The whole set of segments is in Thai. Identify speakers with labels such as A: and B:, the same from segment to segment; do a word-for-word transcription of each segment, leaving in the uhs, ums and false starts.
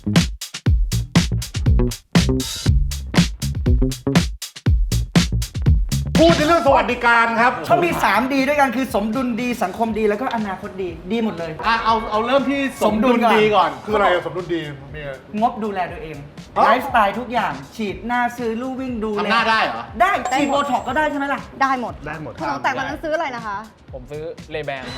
A: พูดในเรื่องสวัสดิการครับ
B: เขามีสามดีด้วยกันคือสมดุลดีสังคมดีแล้วก็อนาคตดีดีหมดเลย
A: อ่ะเอาเอาเริ่มที่สมดุลดีก่อน คืออะไรสมดุลดีมีอะไร
B: งบดูแลตัวเองไลฟ์สไตล์ทุกอย่างฉีดหน้าซื้อลู่วิ่งดูแล
A: ทำหน้าได้เหรอ
B: ได้ฉีดโบท็อกก็ได้ใช่ไหมล่ะ
C: ได้หมด
D: ได้หมด
C: คุณของแต่งวันนั้นซื้ออะไรนะคะ
E: ผมซื้อเลแบนครับ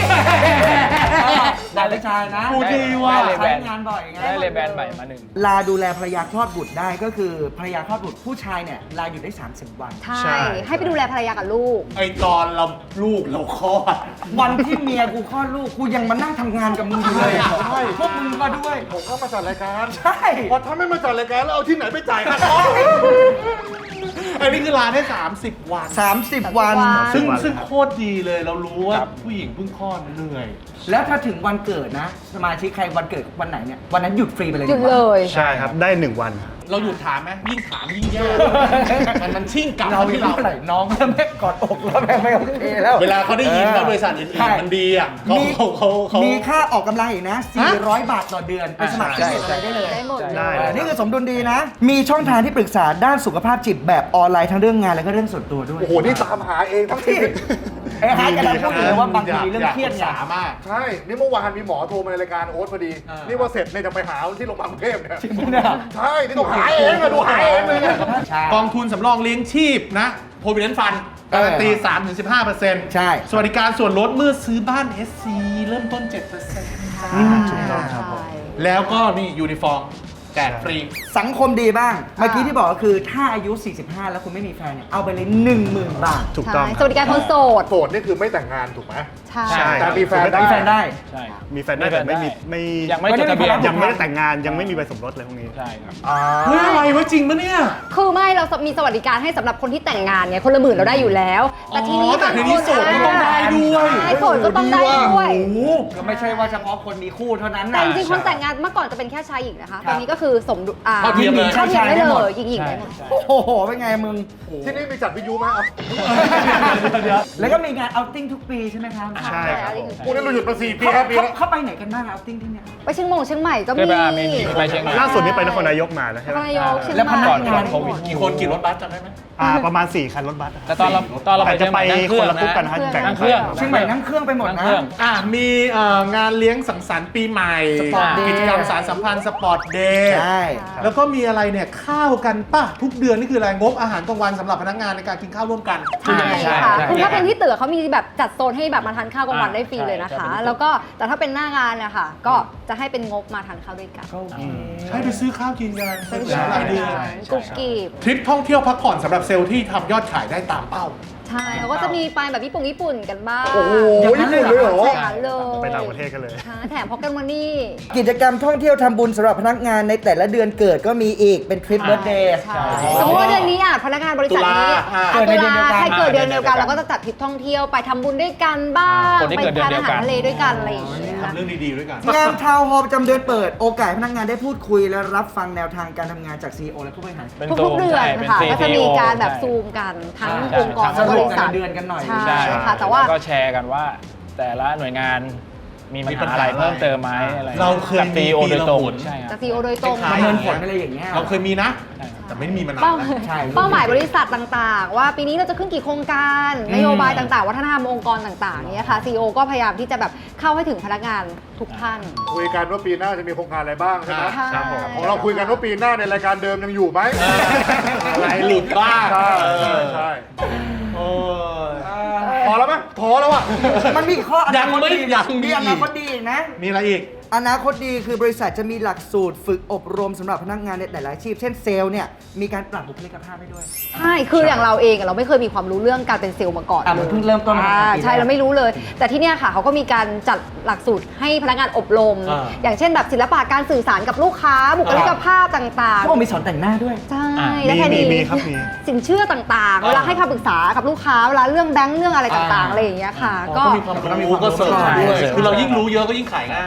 B: ได้เลยชายนะ
A: พูดดีว่ะ
E: ได้เลแบ
B: ใช้
E: น
B: งานบ่อยไง
E: ได้เลแบนใหม่มาหนึ่ง
B: ลาดูแลภรรยาคลอดบุตรได้ก็คือภรรยาคลอดบุตรผู้ชายเนี่ยลาอยู่ได้สามสิบวัน
C: ใช่ ให้ไปดูแลภรรยากับลูก
A: ไอตอนเราลูกเราคลอด
B: วันที่เมียกูคลอดลูกกูยังมานั่งทำงานกับมึงอยู่เลยอะ
A: ใช่
B: พวกมึงมาด้วย
A: ผมก็มาจัดรายการ
B: ใช่
A: พอถ้าไม่มาจัดรายการแล้วเอาที่ไหนไปจ่ายค่าคลอดอันนี้คือลาได้สามสิบวัน
B: สามสิบวัน
C: วัน
A: ซึ่งซึ่งโคตรดีเลยเรารู้ว่าผู้หญิงเพิ่งคลอดเหนื่อย
B: แล้วถ้าถึงวันเกิดนะ สมาชิกใครวันเกิดวันไหนเนี่ยวันนั้นหยุดฟรีไปเลย
C: หยุด
B: ดีกว่า
C: เลย
D: ใช่ครับ ได้หนึ่งวัน
A: เราหยุดถามไหมยิ่งถามยิ่งแย่มันมันชิ่งกลับ
B: เรา
A: มา
B: ที่
A: ที่
B: เรา
A: เรา
B: ไหร่น้องก็แม่กอดอกแล้วแม่ไม่โอเคแล้ว
A: เวลาเขาได้ยินว่าบริษัทอื่
B: ใช่
A: นๆมันดีอ่ะเขา
B: มี
A: เขาเขาเขา
B: มีค่าออกกำลังอีกนะ สี่ร้อย บาทต่อเดือนไปสมัคร
E: ใช่
B: อะไรได้เลย
C: ได้หมด
D: ได้
B: เออนี่คือสมดุลดีนะ มีช่องทางที่ปรึกษาด้านสุขภาพจิตแบบออนไลน์ทั้งเรื่องงานและก็เรื่องส่วนตัวด้วย
A: โอ้โห นี่ตามหาเองทั้งที
B: ไอ้ฮาร์ดกำลังพูดอยู่เลยว่าบางทีเรื่องเครียด
A: อ
B: เนี่ย
A: ยากปรึกษามาก ใช่ นี่เมื่อวานมีหมอโทรมาในรายการโอ๊ตพอดี นี่ว่าเสร็จเนี่ยจะไปหาที่โรงพยาบาลกรุงเทพเนี่ย
B: จริงปะเนี่ย
A: ใช่ นี่ต้องหาเองอะดูหาเองเลยเนี่ย
B: ใช่
A: กองทุนสำรองเลี้ยงชีพนะ Provident Fund การันตี สามถึงสิบห้าเปอร์เซ็นต์
B: ใช่
A: สวัสดิการส่วนลดเมื่อซื้อบ้าน เอส ซี เริ่มต้น เจ็ดเปอร์เซ็นต์
D: ถูกต้องครับผม
A: แล้วก็นี่ยูนิฟอร์มแจกฟรี
B: สังคมดีบ้าง เมื่อกี้ที่บอกก็คือถ้าอายุ สี่สิบห้า แล้วคุณไม่มีแฟนเนี่ยเอาไปเลย หนึ่งหมื่น บาท
D: ถูกต้อง
C: ใช่
D: ค
C: ส
D: รับ
C: วัสดิการคนโสด
A: โสดนี่คือไม่แต่งงานถูกไหม
C: ใช่
D: ใช่
A: แต่มีแฟน
B: มีแฟนได้
E: ใช่ครับ
D: มีแฟนได้แต่ไม่มีไม่
E: ยังไม่จดทะเบียน
D: ยังไม่ได้แต่งงานยังไม่มีใบสมรสเลยพวกนี้
E: ใช่ครับ
A: เฮ้ยอะไรวะจริงปะเนี่ย
C: คือไม่เรามีสวัสดิการให้สำหรับคนที่แต่งงานไงคนละหมื่นเราได้อยู่แล้ว แต่ทีนี้
A: อ๋อแต่ทีนี้โสดก็ต้องได้ด้วย
C: ใช่โสดก็ต้องได้ด้วย
B: โอ้โหก็ไม่ใช่ว่าเฉพาะคนมีคู่เท่านั้น
C: แต่
B: นะ
C: จริงๆคนแต่งงานเมื่อก่อนจะเป็นแค่ชายหญิงนะคะ
B: ครับ
C: ตอนนี้ก็คือสมดุลอ่า
A: เท่าเทียมเลย
C: เท่าเทียมได้
B: ได้หม
C: เล
B: ด
C: ยหญิงหญิงได้หมด
B: โอ้โห เป็นไงมึง
A: ที่นี่มีจัดวิทยุไหมอ่ะ
B: แล้วก็มีงานเอาติ้งทุกปีใช่ไหมครับ
D: ใช่ครับผม
A: กูนี่เราหยุดมาสี่ปี
B: เขา
A: ห้าปี
B: เขา
A: แล้ว
B: เขาไปไหนกันบ้างเอาติ้งที่เนี่ย
C: ไปเชียงมงเชียงใหม่ก็
E: เค
C: มี
E: ยไปอ่ะมีมีไปเชียงใหม่
D: ล่าสุดนี้ไปนครนายกมาแล้วใช่ไหม
C: นายกเชียง
B: แล้ว
C: ให
B: พ
C: ม่
B: นั
E: ก่
B: ก
E: อน
B: งา
E: ก่อน นโควิด
A: กี่คนกี่รถบัสจำได้ไหม
D: อ่าประมาณสี่คันรถบัส
E: แต่ตอนเราตอนเราไป
D: แต่
E: เชี
D: จะ
E: ยงให
D: ไป
E: ม่นั่งเค
D: ค
E: รื่อน ง
D: ละกรุ๊ปกัน
E: นะ
D: ฮะแบ่ง
E: นั่งเครื่อง
B: เชียงใหม่นั่งเครื่องไปหมด
E: นั่ง
B: นะ
E: เครื่อง
A: อ่ะมีเอ่องานเลี้ยงสังสรรค์ปีใหม่
B: สปอร์ตเดย์
A: กิจกรรมสารสัมพันธ์สปอร์ตเดย์
B: ใช่
A: แล้วก็มีอะไรเนี่ยข้าวกันป่ะ ทุกเดือนนี่คืออะไรงบอาหารกลางวันสำหรับพนักงานในการกินข้าวร่วมกัน
C: ใช่
E: ใช่
C: ค่ะ
E: ใช่
C: คือถ้าเป็นที่ตึกเขามีแบบจัดโซนให้แบบมาทานข้าวกลางวัน
E: อ่า
C: ได้ฟรีเลยนะ
E: ใช่
C: คะ
E: ใช่
C: แล้วก็แต่ถ้าเป็นหน้างานเนี่ยค่ะก็จะให้เป็นงบมาทานข้าวด้วยกัน
B: ก็โอเค
A: ใช่ไปซื้อข้าวกินกัน
C: เป็น
A: ใช้รายเดือน
C: กรุบกริบ
A: ทริปท่องเที่ยวพักผ่อนสำหรับเซลล์ที่ทำยอดขายได้ตามเป้า
C: ใช่เขาก็จะมีไปแบบญี่ปุ่นญี่ปุ่นกันบ้าง
A: โอ้โหญี่ปุ่นเลยเหรอ
C: ใช่ค่ะเลย
D: ไปต่างประเทศกันเลย
C: ค่ะแถมพ็อกเก็ตมันนี่
B: กิจกรรมท่องเที่ยวทำบุญสำหรับพนักงานในแต่ละเดือนเกิดก็มีอีกเป็นทริปเบิร์ธเดย์
C: ใช่สมมติว่าเดือนนี้อ่ะพนักงานบริษัทนี้
A: ตุลาอ่ะ
C: อ่ะ
B: เกิดใน
C: ตุ
B: เดือนเดียวกัน
C: ลาใครเกิดเดือนเดียวกันเราก็จะจัดทริปท่องเที่ยวไปทำบุญด้วยกันบ้าง
E: คนที่
C: ไป
E: เกิดเดือ
C: ทาน
E: นเดี
C: อา
E: ยวกั
C: หาร
E: น
C: ทะเลด้วยกันอะไรอย่างเงี้ย
A: ทำเรื่องดีๆด้วยกัน
B: งานทาวน์ฮอลล์ประจำเดือนเปิดโอกาสให้พนักงานได้พูดคุยและรับฟังแนวทางการทำงานจาก ซี อี โอ และผู้บริหาร
E: เป็น
C: ทุ
E: ซู
C: ก
E: ม
C: ๆเดือน
E: ใช่เป็น
C: ค่ะ
E: ซี
C: ก็จะมีการแบบ
E: ใช่
C: ซูมกันทั้ง
E: ใช่
C: องค์กร
E: ใช่
C: และบริษัท
B: สรุปกันเดือนกันหน่อย
C: ใช่
E: ใช่
C: ค่ะแต่ว่า
E: ล้ก็แชร์กันว่า แต่ละหน่วยงานมีปัญหาอะไรเพิ่มเติมไหมอะไร
A: เราเคย
E: กับ
A: มี
E: ซี โอ
A: ปี
E: โดย
A: ละ
E: ตรง
A: หน
E: ใช่ครับ
C: จากซีโอโดยตรง
A: ค
B: ป
A: ล้า
B: ระ
A: ย
B: เมินผลอะไรอย่างเงี้ย
A: เราเคยมีนะ
E: ใช่ครับ
A: แต่ไม่ได้มีมานาน
C: เป้า
A: แล้ว
B: ใช่
C: เป้าหมายบริษัทต่างๆ ว่าปีนี้เราจะขึ้นกี่โครงการนโยบายต่างๆ วัฒนธรรมองค์กรต่างๆเนี่ยค่ะ ซี อี โอ ก็พยายามที่จะแบบเข้าให้ถึงพนักงานทุกท่าน
A: คุยกันว่าปีหน้าจะมีโครงการอะไรบ้างใช่ไหม
C: ใช่
A: ของเราคุยกันว่าปีหน้าในรายการเดิมยังอยู่ไหมอะไรหลุดบ้างใช่ใช่โอ้ยพอแล้วไหมพอแล้วอ่ะ
B: มันมีข้ออนาคตดี
A: ยังไม่ยังมี
B: มีอนาคตดีอีกนะ
A: มีอะไรอีก
B: อนาคตดีคือบริษัทจะมีหลักสูตรฝึกอบรมสำหรับพนักงานในแต่ละอาชีพ เช่นเซลล์เนี่ยมีการปรับบุคลิกภาพให้ด้วย
C: ใช่ คืออย่างเราเองอะเราไม่เคยมีความรู้เรื่องการเป็นเซลล์มาก่อน
B: อ่ะมันเพิ่งเริ่มต้นมา
C: อ่า
B: ปีแรก
C: ใช่ เราไม่รู้เลย แต่ที่เนี่ยค่ะเขาก็มีการจัดหลักสูตรให้พนักงานอบรม
A: อ่า
C: อย่างเช่นแบบศิลปะการสื่อสารกับลูกค้า บุคลิกภาพต่าง
B: เขาบอกมีสอนแต่งหน้าด้วย
C: ๆ ใช่
E: อ่า
C: และ
D: มี
C: แค่
D: มี
C: นี้
D: มีครับมี
C: สินเชื่อต่างๆ เวลาให้คำปรึกษากับลูกค้า เวลาเรื่องแบงค์เรื่องอะไรต่างๆ อะไรอย่างเงี้ยค่ะ ก็
A: มีความรู้ก็เสริมด้วยคือเรายิ่งรู้เยอะก็ยิ่งขายง่าย
C: ใช่ เพราะว่า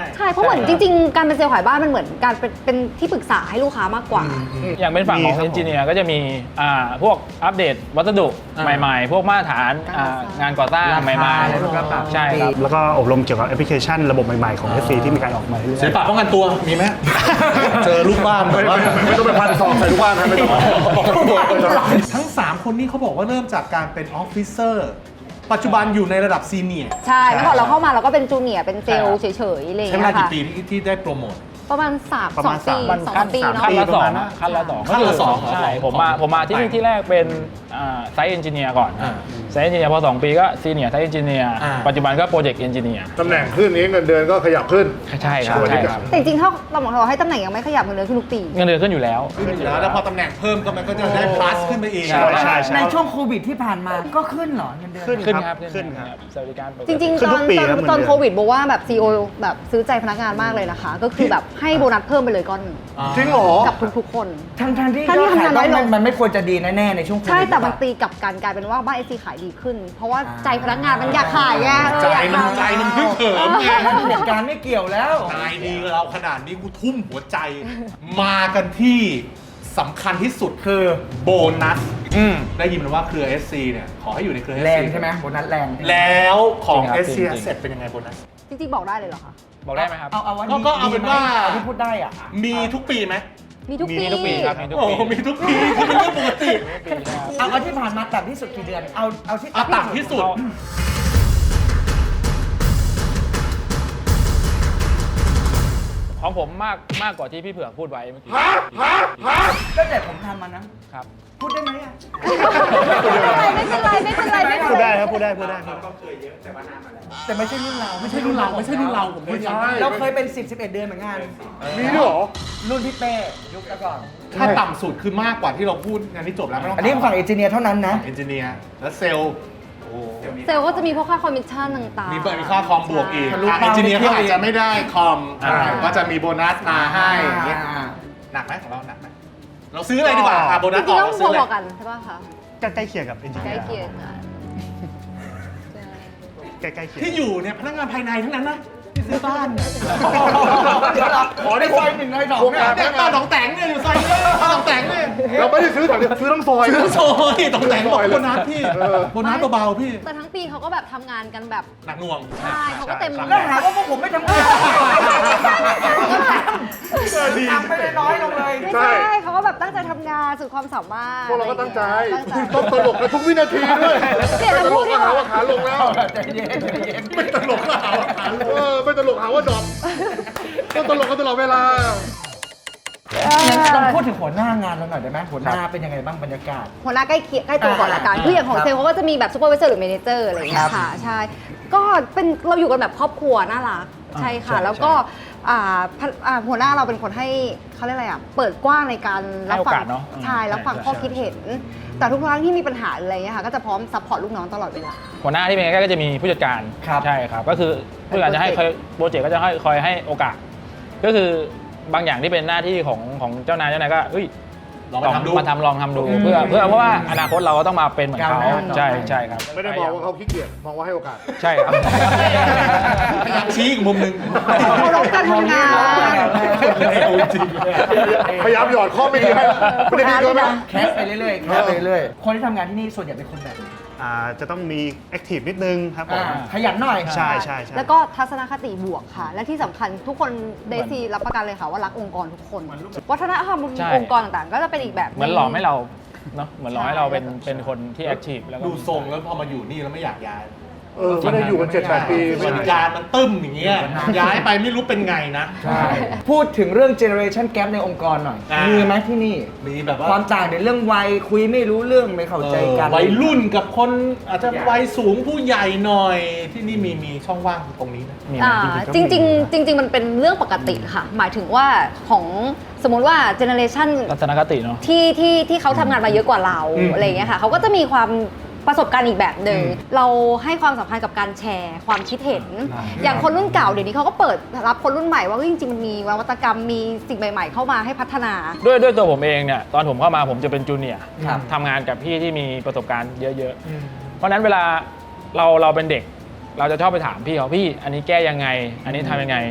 C: เหมือนจริงๆ การเป็นเซลล์ขายบ้านมันเหมือนการเป็นเป็นที่ปรึกษาให้ลูกค้ามากกว่า
E: อย่างเป็นฝั่งของ
D: มีครับ
E: เอนจิเนียร์ก็จะมีอ่าพวกอัปเดตวัสดุใหม่ๆ พวกมาตรฐานอ่างานก่อสร้าง
B: ราคา
E: ใหม่
B: อะไรพวกนั้นปรับ
E: ๆ ใช่ครับ
D: แล้วก็อบรมเกี่ยวกับแอปพลิเคชันระบบใหม่ๆของ เอส ซี ที่มีการออกมาเรื่อย
F: ศิลปะป้องกันตัวมีไหม เจอลูกบ้านแบบว่า
A: ไม่ต้องไปพันซองใส่ทุกบ้านนะไม่ต้อง
F: ทั้ง สาม คนนี้เขาบอกว่าเริ่มจากการเป็นออฟฟิเซอร์ปัจจุบันอยู่ในระดับซีเนียร์
C: ใช่เมื่อก่อนเราเข้ามาเราก็เป็นจูเนียร์เป็นเซลล์เฉยๆอะไรอย่าง
F: ใช้เว
C: เงี้
F: ลาย กี่
C: ค่ะ
F: ปีที่ที่ได้โปรโมท
C: ประมาณสาม
D: ประ
C: สอ
D: มาง ณ
C: ปี
D: สาม
C: สองสามปีเนาะ
E: ขั้นละสอง
D: ปีประมาณนั้น
E: ขั้นละสอง
F: ขั้นละสอง
E: ใช่
F: เหรอ
E: ผมมาผมมาที่นี่
F: ไป
E: ที่แรกเป็นไซต์เอนจิเนียร์ก่อน
F: อ่า
E: ไซต์เอนจิเนียร์พอสองปีก็ซีเนียร์ไซต์เอนจิเนียร์
F: อ่า
E: ปัจจุบันก็โปรเจกต์เอนจิเนียร์
A: ตำแหน่งขึ้นนี้เงินเดือนก็ขยับขึ้น
E: ใช่ครับใช่ครับ
C: แต่จริงๆถ้าเราบอกเราให้ตำแหน่งยังไม่ขยับเงินเดือนขึ้นทุกปี
E: เงินเดือนขึ้นอยู่แล้ว
F: ขึ้นอยู่แล้วแล้วพอตำแหน่งเพิ่มก็มันก็จะได้ plus ขึ้นไปอีก
E: ใช่
D: ใช่ใช่
B: ในช่วงโควิดที่ผ่านมาก็ขึ้นเหรอเงินเดือน
D: ขึ้น
E: ขึ้นครับ
D: ขึ้นครับ
E: สวัสดิการปก
C: จ
E: ติ
C: ริง
D: ขึ้
C: ๆ
D: น
C: ต
D: ทุ
C: อน
D: กปี
C: ตอน
D: ครับเงินเดือน
C: ตอนโควิดบอกว่าแบบซีโอแบบซื้อใจพนักงานมากเลยนะคะ ก็คือแบบให้โบนัสเพิ่มไปเลยก้อนหนึ่ง
A: จริงเหรอ
C: กับทุกๆคน
B: ทั้งทที่
C: ทั้งที่
B: ยอดขาย
C: ทำงานน้อยลง
B: มันมันไม่ควรจะดีแน่ๆในช่วงโควิด
C: ใช่แต่มัน
B: หรือเปล่า
C: ตีกลับกันกลายเป็นว่าบ้านไอซีขายดีขึ้น เพราะว่าใจพนักงานมันอยากขายไงเออ
F: ใจ
C: อยาก
F: มัน
C: ทำ
F: ใจมันฮึกเหิมไง
B: เหตุการณ์ไม่เกี่ยวแล้ว
F: นายดีกับเราขนาดนี้กูทุ่มหัวใจ มากันที่สำคัญที่สุด
B: คือ
F: โบนัส
E: อืม
F: ได้ยินมาว่าเครือ เอส ซี เนี่ย ขอให้อยู่ในเครือ เอส ซี
B: แรงใช่ไหมโบนัสแรง
F: แล้วของ
E: จริงครับ
F: เอส ซี
E: จริงๆ
F: Asset เป็นยังไงโบนัส
C: จริงๆบอกได้เลยเหรอคะ
E: บอกได้ไหมครับ
B: เอาเอาว่า
F: ก็
B: ดี
F: ก็เอาเป็นว่า
B: ดีไหมเอที่พูดได้อ่ะ
F: มีทุกปีไหม
C: มีทุก
E: มี
C: ปี
E: ทุกปีครับมีทุก
F: โอ้
E: ปี
F: โหมีทุกปีคือเป็นเรื่องปกติ
B: เอาเอาที่ผ่านมาต่ำที่สุดกี่เดือน เอาเอาที่
F: เอาต่ำที่สุด
E: ของผมมากมากกว่าที่พี่เผือกพูดไว้เมื่อกี้
B: ตั้งแต่ผมทำมานะครับ พูดได้ไหมอ่ะ
C: ไม่เป็นไรไม่เป็นไรไม่เป็นไรไม่
D: พู
C: เป็นไร
D: ดได้ครับพูดได้พูดได้ครับ
B: แต่ไม่ใช่รุ่นเรา
F: ไม่ใช่รุ่นเราไม่ใช่รุ่นเราผมไม่ใช่
B: เราเคยเป็น สิบ สิบเอ็ด เดือนเหมือนกัน
A: มีด้วยเหรอ
B: รุ่นพี่เป้ยุคแต่ก่อน
F: ถ้าต่ำสุดคือมากกว่าที่เราพูดงานนี้จบแล้วไม่ต้อง
B: อันนี้ฝั่งเอนจิเนียร์เท่านั้นนะ
F: เอนจิเนียร์และเซลล์โอ้
C: เซลล์ก็จะมีพวกค่าคอมมิชชั่นต่างๆ
F: มีมีค่าคอมบวกอีก
B: ทะลุ
F: อ่ะ
B: เป้า
F: เอนจิเนียร์
B: นิดเดี
F: เขา
B: ยว
F: อาจจะไม่ได้คอม
E: อ่า
F: ก็จะมีโบนัสมาให้อย่างเงี้ย
B: อ่า
F: หนักไหมของเราหนักไหมเราซื้ออะไรดีกว่าอ่ะโบ
C: จ
F: นัส
C: ริ
F: อง
C: ๆ
F: อก
C: ต้อง
F: เราซื้ออะไร
C: พอๆกันใช่ป่ะคะ
D: ใกล้ๆเคียงกับเอนจิ
C: ใก
D: เนี
C: ล้
D: ยร์
C: เคียงกัน
D: ใกล้ๆเคียง
F: ที่อยู่เนี่ยพนักงานภายในทั้งนั้นนะที่ซื้อบ้านเนี่ย
B: เดี๋ยวเราขอได้ซอยหนึ่งในสอง
A: โครง
B: เนี่
A: กาย ร
F: เนี่ยบ้านหนองแตงเนี่ยอยู่ซอยนี้บ้านหนองแตงเนี่ย
A: เราไม่ได้ซื้อถังเดียวซื้อทั้งซอย
F: ซื้อซอยหนองแตงบอกโบนัสพี่
A: เออ
F: โบนัสเบาๆพี่
C: แต่ทั้งปีเขาก็แบบทำงานกันแบบ
F: หนักหน่วง
C: ใช่เขาก็เต็ม
B: แล้วหาว่าพวกผมไม่ทำงานทำไม่ได้น้อยลงเลย
C: ไม่ใช่เขาก็แบบตั้งใจทำงานสุดความสามารถ
A: พวกเราก็ตั้งใจ
C: ตั้งใจ
A: ต้องตลกในทุกวินาทีด้วย
C: เปลี่ยน
A: ไม่ต
C: คำ
A: ล
C: พู
A: ก
C: ดดี
A: ก็
C: กว่า
A: หาว่าขาลงแล้ว
B: ใจเย็นใจเย็น
F: ไม่ตลกก็หาว่าขาลง
A: เออไม่ตลกหาว่าดรอปต้องตลกกันตลอดเวลา
B: งั้นลองพูดถึงหัวหน้างานเราหน่อยได้ไหมหัวหน้าเป็นยังไงบ้างบรรยากาศ
C: หัวหน้าใกล้เคียงใกล้ตัวก่อนละกัน
B: อ่า
C: คืออย่างของ
B: ครับ
C: เซลล์เขาก็จะมีแบบซูเปอร์วิเซอร์หรือเมเนเจอร์อะไรอย่างเงี้ยค่ะ ใช่ ก็เป็นเราอยู่กันแบบครอบครัวน่ารัก ใช่ค่ะ แล้วก็อ่าพนอ่าหัวหน้าเราเป็นคนให้เขาเรียกอะไรอ่ะ เปิดกว้างในการรับฟั
E: ให้โอกาสเนอะ
C: ใช่รับฟัง
E: ใช่
C: ข้อคิดเห็น แต่ทุกครั้งที่มีปัญหาอะไรเงี้ยค่ะ ก็จะพร้อมซัพพอร์ตลูกน้องตลอดเวลา
E: หัวหน้าที่เป็นใกล้ๆก็จะมีผู้จัดการ
B: ครับ
E: ใช่ครับก็คือผู้จัดการจะให้คอยโปรเจกต์ก็จะให้คอยให้โอกาส ก็คือบางอย่างที่เป็นหน้าที่ของของเจ้านายเจ้านายก็เฮ้ย
F: ลองมาทำดู
E: มาทำลองทำดู
B: อืม
E: เพื่อเพื่อเพราะว่าอนาคตเราก็ต้องมาเป็นเหมือนเขา
B: ก้าวหน้าต่อไป
E: ใช่ใช่ครับ
A: ไม่ได้มองว่าเขาขี้เกียจมองว่าให้โอกาส
E: ใช่ครับ
F: พยายามชี้อีกมุมหนึ่ง
C: เคารพการทำงาน
F: เอาจริง
A: พยายามหยอดข้อไม่ดีให้ไม่ได้ดีเกินไป
B: แคสไปเรื่อยๆแคสไปเรื่อยๆคนที่ทำงานที่นี่ส่วนใหญ่เป็นคนแบบไหน
D: อ่าจะต้องมีแอคทีฟนิดนึงครับผม
B: อ่าขยันหน่อย
D: ใช่ใช่ใช่
C: แล้วก็ทัศนคติบวกค่ะ และที่สำคัญทุกคนเดซีรับประกันเลยค่ะว่ารักองค์กรทุกคน วัฒนธรรม
E: ใช่
C: องค์กรต่างๆ ก็จะเป็นอีกแบบ
E: เหมือนหล่อให้เราเนาะเหมือนหล่อให้เราเป็น
C: ใช่
E: เป็นคนที่แอคทีฟแล้วก็
F: ดูทรงแล้วพอมาอยู่นี่แล้วไม่อยากย้าย
A: เออไม่ได้อยู่กันเจ็ดแปดปี
F: สวัสดิการมันตึ้มอย่างเงี้ยย้ายไปไม่รู้เป็นไงนะ
B: ใช่พูดถึงเรื่อง generation gap ในองค์กรหน่อย
F: อ่ามี
B: มีไหมที่นี่
F: มีแบบว่า
B: ความต่างในเรื่องวัยคุยไม่รู้เรื่องไม่เข้าใจกัน
F: วัยรุ่นกับคนอาจจะวัยสูงผู้ใหญ่หน่อย ที่นี่มีมีช่องว่างตรงนี้นะ
E: มี
C: อ่า
E: นะ
C: จริงๆจริง ๆ มันเป็นเรื่องปกติค่ะ หมายถึงว่าของสมมติว่าเจเนอเรชัน
E: ทัศนคติเนาะ
C: ที่ที่ที่เขาทำงานมาเยอะกว่าเรา
F: อืม
C: อะไรอย่างเงี้ยค่ะเขาก็จะมีความประสบการณ์อีกแบบหนึ่งเราให้ความสำคัญกับการแชร์ความคิดเห็น อย่างคนรุ่นเก่าเดี๋ยวนี้เขาก็เปิดรับคนรุ่นใหม่ว่าเฮ้ยจริงๆมันมีนวัตกรรมมีสิ่งใหม่ ๆ เข้ามาให้พัฒนา
E: ด้วยด้วยตัวผมเองเนี่ยตอนผมเข้ามาผมจะเป็นจูเนียร์
B: ครับ
E: ทำงานกับพี่ที่มีประสบการณ์เยอะๆ เพราะฉะนั้นเวลาเราเราเป็นเด็ก เราจะชอบไปถามพี่เขาพี่ อันนี้แก้ยังไง อันนี้ทำยังไง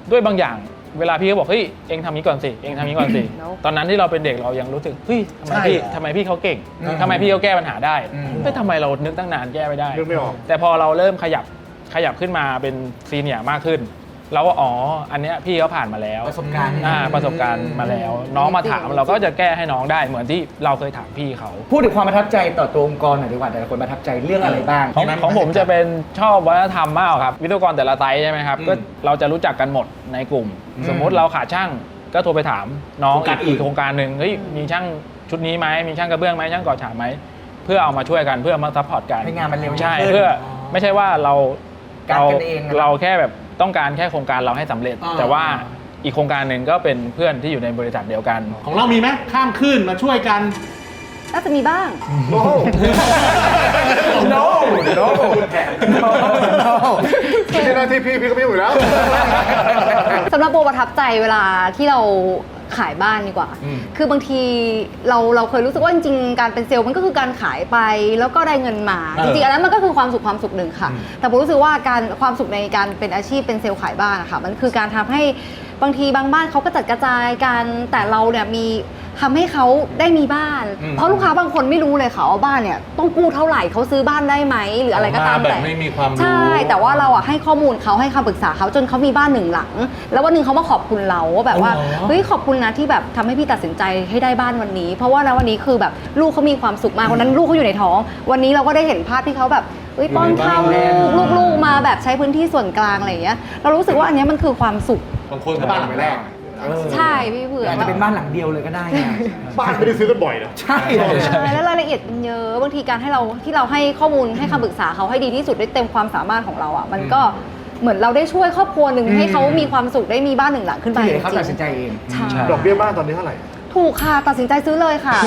E: ด้วยบางอย่างเวลาพี่เขาบอกเฮ้ยเองทำนี้ก่อนสิเองทำนี้ก่อนสิ
C: แล้ว
E: ตอนนั้นที่เราเป็นเด็กเรายังรู้สึกเฮ้ยทำไม
F: ใช่
E: พี่
F: เหรอ
E: ทำไมพี่เขาเก่ง
F: อืม
E: ทำไมพี่เขาแก้ปัญหาได้
F: อืม
E: เฮ้ยทำไมเรานึกตั้งนานแก้ไม่ได้
A: นึกไม่ออก
E: แต่พอเราเริ่มขยับขยับขึ้นมาเป็นซีเนียร์มากขึ้น เราก็อ๋ออันเนี้ยพี่เขาผ่านมาแล้ว
B: ประสบการณ์
E: อ่าประสบการณ์มาแล้ว น้องมาถามเราก็จะแก้ให้น้องได้เหมือนที่เราเคยถามพี่เขา
B: พูดถึงความประทับใจต่อตัวองค์กรหน่อยดีกว่าแต่ละคนประทับใจเรื่องอะไรบ้าง
E: ของของผมจะเป็นชอบวัฒนธรรมมากครับวิศวกรแต่ละไซต์ใช่ไหมครับก็เราจะรู้จักกันหมดในกลุ่ม สมมุติเราขาดช่างก็โทรไปถามน้อง
F: โครงการอื่
E: อี
F: น
E: กโครงการหนึ่งเฮ้ยมีช่างชุดนี้ไหมมีช่างกระเบื้องไหมช่างก่อฉาบไหมเพื่อเอามาช่วยกันเพื่อมาซัพพอร์ตกัน
B: ให้งานมันเร็ว
E: ใช่
B: ขึ้น
E: เพื่อไม่ใช่ว่าเรา
B: การ
E: เรา
B: กันเองอะ
E: เราแค่แบบต้องการแค่โครงการเราให้สำเร็จ
F: อ่า
E: แต่ว่าอีกโครงการหนึ่งก็เป็นเพื่อนที่อยู่ในบริษัทเดียวกัน
F: ของเรามีไหมข้ามขึ้นมาช่วยกัน
C: น่าจะมีบ้าง
A: โอ้โห
B: no no no no
A: ไม่ใช่หน้าที่พี่พี่ก็ไม่อยู่แล้ว
C: สำหรับโบประทับใจเวลาที่เราขายบ้านดีกว่า
F: อืม
C: คือบางทีเราเราเคยรู้สึกว่าจริงๆ การเป็นเซลล์มันก็คือการขายไปแล้วก็ได้เงินมา
F: เออ
C: จริงๆอันนั้นมันก็คือความสุขความสุขหนึ่งค่ะ
F: อืม
C: แต่ผมรู้สึกว่าการความสุขในการเป็นอาชีพเป็นเซลล์ขายบ้านอะค่ะมันคือการทำให้บางทีบางบ้านเขาก็จัดกระจายกันแต่เราเนี่ยมีทำให้เขาได้มีบ้าน
F: อืม
C: เพราะลูกค้าบางคนไม่รู้เลยค่ะว่าบ้านเนี่ยต้องกู้เท่าไหร่เขาซื้อบ้านได้ไหมหรืออะไรก็ตาม
F: มาแบบ
C: แต่
F: ไม่มีความรู้
C: ใช่ แต่ว่าเราอ่ะให้ข้อมูลเขาให้คำปรึกษาเขาจนเขามีบ้านหนึ่งหลัง แล้ววันหนึ่งเขามาขอบคุณเราว่าแบบว่า
F: อ๋อเหรอ
C: เฮ้ยขอบคุณนะที่แบบทำให้พี่ตัดสินใจให้ได้บ้านวันนี้ เพราะว่านะวันนี้คือแบบลูกเขามีความสุขมากวันนั้นลูกเขาอยู่ในท้อง วันนี้เราก็ได้เห็นภาพที่เขาแบบเฮ้ยป้อนข้าวลูกลูกๆมาแบบใช้พื้นที่ส่วนกลางอะไรอย่างเงี้ยเรารู้สึกว่าอันเนี้ยมันคือความสุข
F: บางคนก็บ้านหลังแรก
C: ใช่พี่เผือก
B: อาจจะเป็นบ้านหลังเดียวเลยก็ได้นะ
A: บ้านไม่ได้ซื้อกันบ่อยนะ
B: ใช่
C: ใช่แล้วรายละเอียดมันเยอะบางทีการให้เราที่เราให้ข้อมูลให้คำปรึกษาเขาให้ดีที่สุดได้เต็มความสามารถของเราอ่ะมันก็เหมือนเราได้ช่วยครอบครัวหนึ่งให้เขามีความสุขได้มีบ้านหนึ่งหลังขึ้นไป
B: ที่เห
C: จ
B: ลือเขา
C: ริ
B: ตัดสิน
C: ง
B: ใจเอง
C: ๆใช่
A: ดอกเบี้ยบ้านตอนนี้เท่าไหร่
C: ถูกค่ะตัดสินใจซื้อเลยค่ะ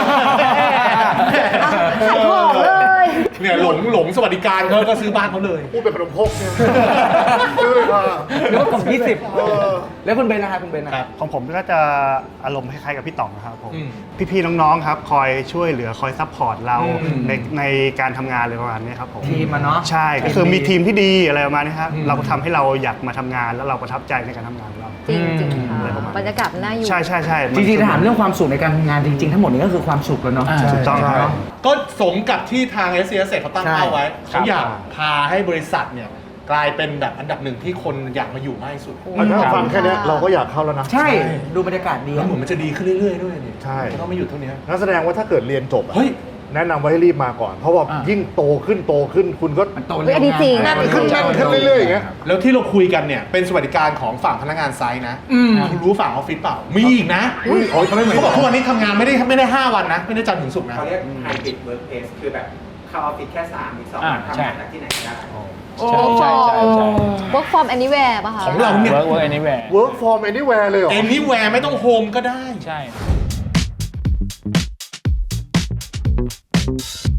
C: อ่ะขายของเลย
F: เนี่ยหลงหลงสวัสดิการเขาก็ซื้อบ้านเขาเลย
A: พูดเป็นขนมครกเนี่ยซื้อเลยค่ะ
B: หรือว่ากล่องยี่สิบ
A: เออ
B: แล้วคุณเบนนะคะคุณเบนนะ
F: ครับ
D: ของผมก็จะอารมณ์คล้ายๆกับพี่ต่องนะครับผม
F: อืม
D: พี่ๆน้องๆครับคอยช่วยเหลือคอยซัพพอร์ตเรา
F: อืม
D: ในในการทำงานอะไรประมาณนี้ครับผม
B: ทีมอะเนาะ
D: ใช่ก็คือมีทีมที่ดีอะไรประมาณนี้ครับ
F: อืม
D: เราก็ทำให้เราอยากมาทำงานแล้วเราประทับใจในการทำงานของเรา
C: จริงจริงๆค่ะ
D: อะไรประมาณนั้น
C: บรรยากาศน่าอยู่
D: ใช่ใช่ใช่
B: จริงๆถ้าถามเรื่องความสุขในการทำงานจริง ๆ ทั้งหมดนี้ก็คือความสุขแล้วเนาะ
E: อ่า
D: ถูกต้องครับ
F: ก็สมกับที่ทาง เอส ซี เอส เขาตั้งเป้าไว้ เขาอยากพาให้บริษัทเนี่ยกลายเป็นแบบอันดับหนึ่งที่คนอยากมาอยู่มากที่สุด
A: เอาถ้าฟังแค่เนี้ยเราก็อยากเข้าแล้วนะ
B: ใช่ดูบรรยากาศดี
F: แล้วเหมือนมันจะดีขึ้นเรื่อยๆด้วยนี่
A: ใช่
F: จะต้องไม่หยุดเท่านี้
A: นั่นแสดงว่าถ้าเกิดเรียนจบอะ
F: เฮ้ย
A: แนะนำว่าให้รีบมาก่อน เพราะว่า
E: อ่ายิ่
A: ยิ่งโตขึ้นโตขึ้นคุณก็
B: มันโต
C: เฮ้ยอันนี้จริง
B: เว
A: แน่นขึ้นแน่นขึ้นเรื่อยๆอย่างเงี้ย
F: แล้วที่เราคุยกันเนี่ยเป็นสวัสดิการของฝั่งพนักงานไซต์นะคุณรู้ฝั่งออฟฟิศเปล่า มีอีกนะ
A: อุ้ยโอ้ยเขาไม่เหมือน
F: เขาบอกทุกวันนี้ทำงานไม่ได้ไม่ได้ห้าวันนะ ไม่ได้จันทร์ถึงศุกร์นะ
G: เขาเรียก hybrid workplace คือแบบเข้าออฟฟิศแค่สามอีกสอง
E: อ่า
G: วันทำ
E: ใช่
G: งานจากที่ไหนก็ได้
E: ใช่ใช่ใช่ใช่
C: work from anywhere ป่ะคะ
F: ของเราเนี่ย
E: work work anywhere
A: work from anywhere เลยเหรอ
F: anywhere ไม่ต้องโฮมก็ได้
E: ใช่